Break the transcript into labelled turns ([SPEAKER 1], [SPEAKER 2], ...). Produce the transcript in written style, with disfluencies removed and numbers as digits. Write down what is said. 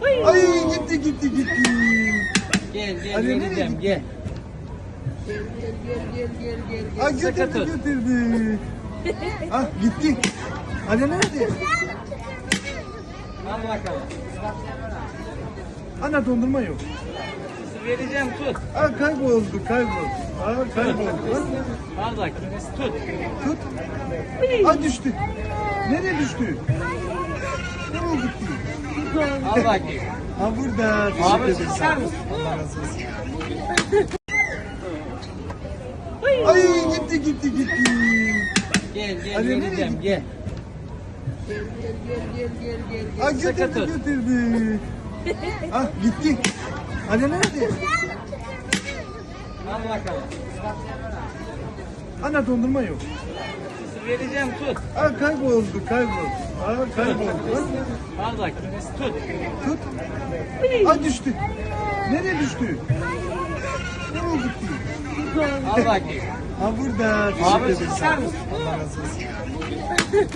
[SPEAKER 1] Ay gitti gitti gitti.
[SPEAKER 2] Gel gel
[SPEAKER 1] Anne, nereye
[SPEAKER 2] vereceğim
[SPEAKER 1] gitti?
[SPEAKER 2] gel.
[SPEAKER 1] Ay götürdü
[SPEAKER 2] Sakatı.
[SPEAKER 1] götürdü. Ah gitti. Anne nerede?
[SPEAKER 2] Al bakalım.
[SPEAKER 1] Ana dondurma yok.
[SPEAKER 2] Vereceğim tut.
[SPEAKER 1] Ah kayboldu kayboldu. Ah kayboldu.
[SPEAKER 2] Al bakayım tut.
[SPEAKER 1] Tut. Ah düştü. Nereye düştü? Nereye gitti?
[SPEAKER 2] Al bakayım.
[SPEAKER 1] Ha burada.
[SPEAKER 2] Abi
[SPEAKER 1] Teşekkür ederim.
[SPEAKER 2] ister misin?
[SPEAKER 1] Allah razı olsun. Ay gitti gitti gitti.
[SPEAKER 2] Gel gel
[SPEAKER 1] Anne, nereye
[SPEAKER 2] vereceğim
[SPEAKER 1] gitti?
[SPEAKER 2] gel.
[SPEAKER 1] Ah götürdü
[SPEAKER 2] Sakatı.
[SPEAKER 1] götürdü. Ah gitti. Anne nerede?
[SPEAKER 2] Al bakalım.
[SPEAKER 1] Ana dondurma yok.
[SPEAKER 2] Vereceğim tut.
[SPEAKER 1] Ah kayboldu kayboldu. Ah kayboldu.
[SPEAKER 2] Al bakayım tut.
[SPEAKER 1] Tut. Ah düştü. Nereye düştü? Nereye gitti?
[SPEAKER 2] Al bakayım.
[SPEAKER 1] Ha burada.
[SPEAKER 2] Abi
[SPEAKER 1] Teşekkür ederim.
[SPEAKER 2] ister misin?
[SPEAKER 1] Allah razı olsun.